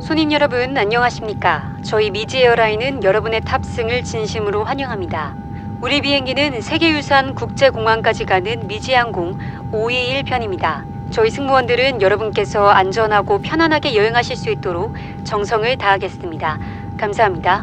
손님 여러분 안녕하십니까? 저희 미지에어라인은 여러분의 탑승을 진심으로 환영합니다. 우리 비행기는 세계유산 국제공항까지 가는 미지항공 521편입니다. 저희 승무원들은 여러분께서 안전하고 편안하게 여행하실 수 있도록 정성을 다하겠습니다. 감사합니다.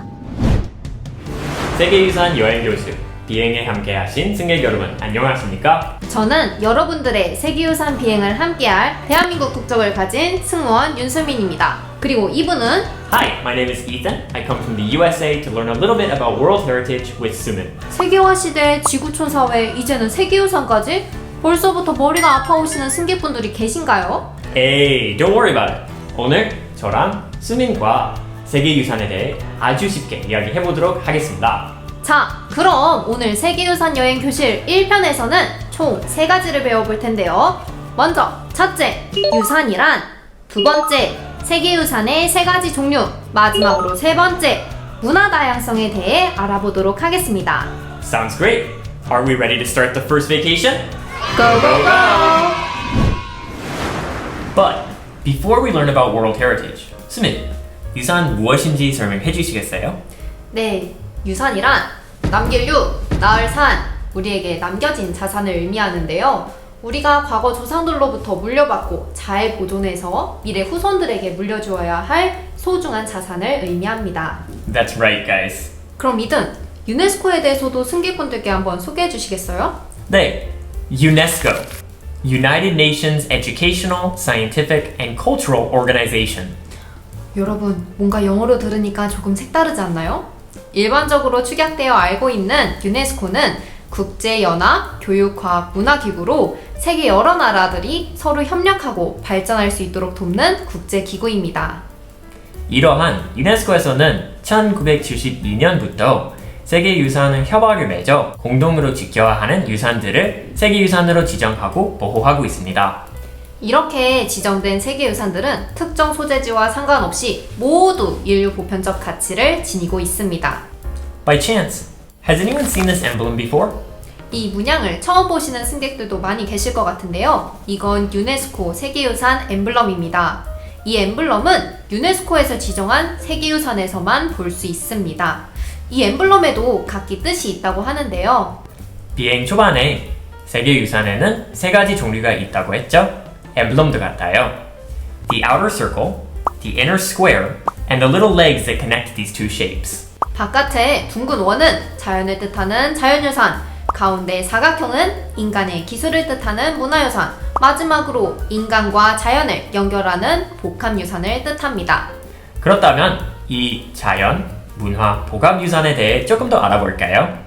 세계유산 여행교수 비행에 함께하신 승객 여러분 안녕하십니까? 저는 여러분들의 세계유산 비행을 함께할 대한민국 국적을 가진 승무원 윤수민입니다. 그리고 이분은 Hi, my name is Ethan. I come from the USA to learn a little bit about World Heritage with Sumin. 세계화 시대 지구촌 사회 이제는 세계유산까지? 벌써부터 머리가 아파오시는 승객분들이 계신가요? Hey, don't worry about it. 오늘 저랑 수민과 세계유산에 대해 아주 쉽게 이야기해보도록 하겠습니다. 자, 그럼 오늘 세계유산 여행 교실 1편에서는 총 3가지를 배워볼 텐데요. 먼저 첫째, 유산이란, 두 번째, 세계유산의 3가지 종류, 마지막으로 3번째, 문화 다양성에 대해 알아보도록 하겠습니다. Sounds great. Are we ready to start the first vacation? Go, go, go! But before we learn about World Heritage, 수민, 유산 무엇인지 설명해 주시겠어요? 네, 유산이란 남길 유, 낳을 산, 우리에게 남겨진 자산을 의미하는데요. 우리가 과거 조상들로부터 물려받고 잘 보존해서 미래 후손들에게 물려주어야 할 소중한 자산을 의미합니다. That's right, guys. 그럼 이든 유네스코에 대해서도 승객분들께 한번 소개해 주시겠어요? 네, UNESCO, United Nations Educational, Scientific and Cultural Organization. 여러분, 뭔가 영어로 들으니까 조금 색다르지 않나요? 일반적으로 축약되어 알고 있는 유네스코는 국제연합 교육과학문화기구로 세계 여러 나라들이 서로 협력하고 발전할 수 있도록 돕는 국제기구입니다. 이러한 유네스코에서는 1972년부터 세계유산을 협약을 맺어 공동으로 지켜야 하는 유산들을 세계유산으로 지정하고 보호하고 있습니다. 이렇게 지정된 세계유산들은 특정 소재지와 상관없이 모두 인류 보편적 가치를 지니고 있습니다. By chance, has anyone seen this emblem before? 이 문양을 처음 보시는 승객들도 많이 계실 것 같은데요. 이건 유네스코 세계유산 엠블럼입니다. 이 엠블럼은 유네스코에서 지정한 세계유산에서만 볼 수 있습니다. 이 엠블럼에도 각기 뜻이 있다고 하는데요. 비행 초반에 세계유산에는 3가지 종류가 있다고 했죠? 엠블럼도 같아요. The outer circle, the inner square, and the little legs that connect these two shapes. 바깥의 둥근 원은 자연을 뜻하는 자연유산, 가운데 사각형은 인간의 기술을 뜻하는 문화유산, 마지막으로 인간과 자연을 연결하는 복합유산을 뜻합니다. 그렇다면 이 자연, 문화, 복합유산에 대해 조금 더 알아볼까요?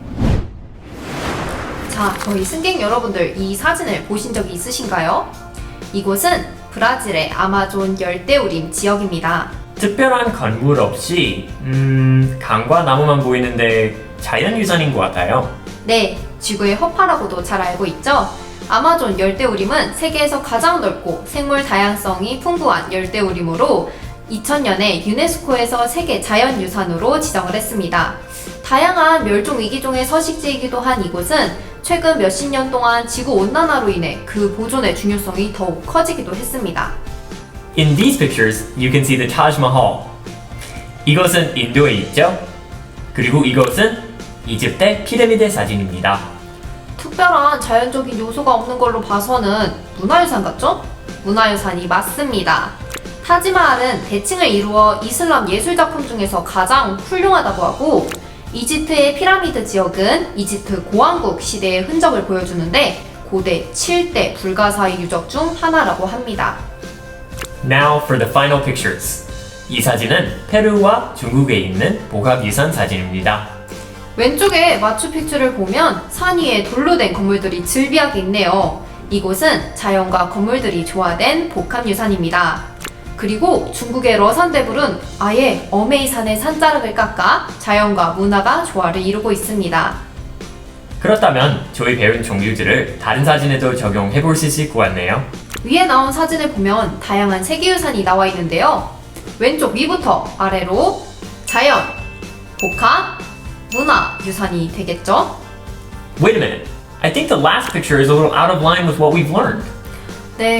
자, 저희 승객 여러분들 이 사진을 보신 적이 있으신가요? 이곳은 브라질의 아마존 열대우림 지역입니다. 특별한 건물 없이 강과 나무만 보이는데 자연유산인 것 같아요. 네, 지구의 허파라고도 잘 알고 있죠? 아마존 열대우림은 세계에서 가장 넓고 생물 다양성이 풍부한 열대우림으로 2000년에 유네스코에서 세계 자연유산으로 지정을 했습니다. 다양한 멸종위기종의 서식지이기도 한 이곳은 최근 몇십 년 동안 지구온난화로 인해 그 보존의 중요성이 더욱 커지기도 했습니다. In these pictures, you can see the Taj Mahal. 이것은 인도에 있죠? 그리고 이것은 이집트의 피라미드 사진입니다. 특별한 자연적인 요소가 없는 걸로 봐서는 문화유산 같죠? 문화유산이 맞습니다. 타지마할은 대칭을 이루어 이슬람 예술작품 중에서 가장 훌륭하다고 하고, 이집트의 피라미드 지역은 이집트 고왕국 시대의 흔적을 보여주는데 고대 7대 불가사의 유적 중 하나라고 합니다. Now for the final pictures. 이 사진은 페루와 중국에 있는 복합유산 사진입니다. 왼쪽에 마추픽추를 보면 산 위에 돌로 된 건물들이 즐비하게 있네요. 이곳은 자연과 건물들이 조화된 복합유산입니다. 그리고 중국의 러산대불은 아예 어메이산의 산자락을 깎아 자연과 문화가 조화를 이루고 있습니다. 그렇다면 저희 배운 종류들을 다른 사진에도 적용해 볼 수 있을 것 같네요. 위에 나온 사진을 보면 다양한 세계유산이 나와 있는데요. 왼쪽 위부터 아래로 자연, 복합, 문화 유산이 되겠죠? Wait a minute. I think the last picture is a little out of line with what we've learned. 네,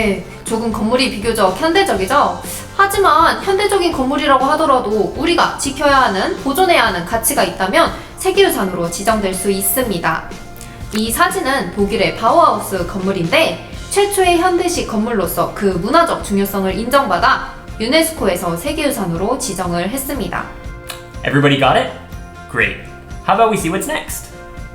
조금 건물이 비교적 현대적이죠? 하지만 현대적인 건물이라고 하더라도 우리가 지켜야 하는, 보존해야 하는 가치가 있다면 세계유산으로 지정될 수 있습니다. 이 사진은 독일의 바우하우스 건물인데 최초의 현대식 건물로서 그 문화적 중요성을 인정받아 유네스코에서 세계유산으로 지정을 했습니다. Everybody got it? Great. How about we see what's next?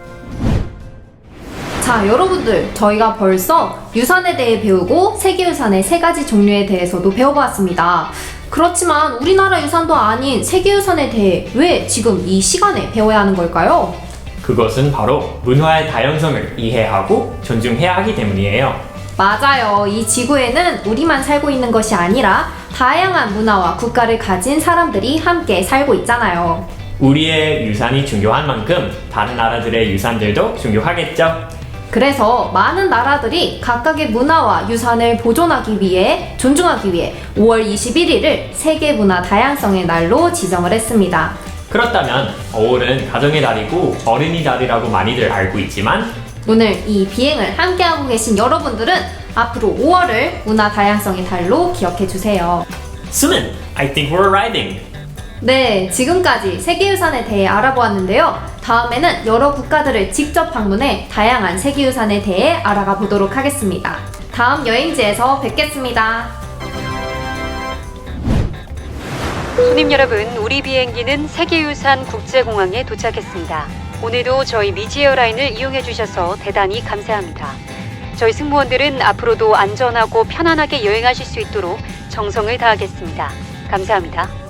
자, 여러분들, 저희가 벌써 유산에 대해 배우고 세계유산의 3가지 종류에 대해서도 배워봤습니다. 그렇지만 우리나라 유산도 아닌 세계유산에 대해 왜 지금 이 시간에 배워야 하는 걸까요? 그것은 바로 문화의 다양성을 이해하고 존중해야 하기 때문이에요. 맞아요. 이 지구에는 우리만 살고 있는 것이 아니라 다양한 문화와 국가를 가진 사람들이 함께 살고 있잖아요. 우리의 유산이 중요한 만큼 다른 나라들의 유산들도 중요하겠죠? 그래서 많은 나라들이 각각의 문화와 유산을 보존하기 위해, 존중하기 위해 5월 21일을 세계문화 다양성의 날로 지정을 했습니다. 그렇다면 5월은 가정의 달이고 어린이 달이라고 많이들 알고 있지만 오늘 이 비행을 함께하고 계신 여러분들은 앞으로 5월을 문화 다양성의 달로 기억해 주세요. Sumin, I think we're arriving. 네, 지금까지 세계유산에 대해 알아보았는데요. 다음에는 여러 국가들을 직접 방문해 다양한 세계유산에 대해 알아가 보도록 하겠습니다. 다음 여행지에서 뵙겠습니다. 손님 여러분, 우리 비행기는 세계유산 국제공항에 도착했습니다. 오늘도 저희 미지에어라인을 이용해 주셔서 대단히 감사합니다. 저희 승무원들은 앞으로도 안전하고 편안하게 여행하실 수 있도록 정성을 다하겠습니다. 감사합니다.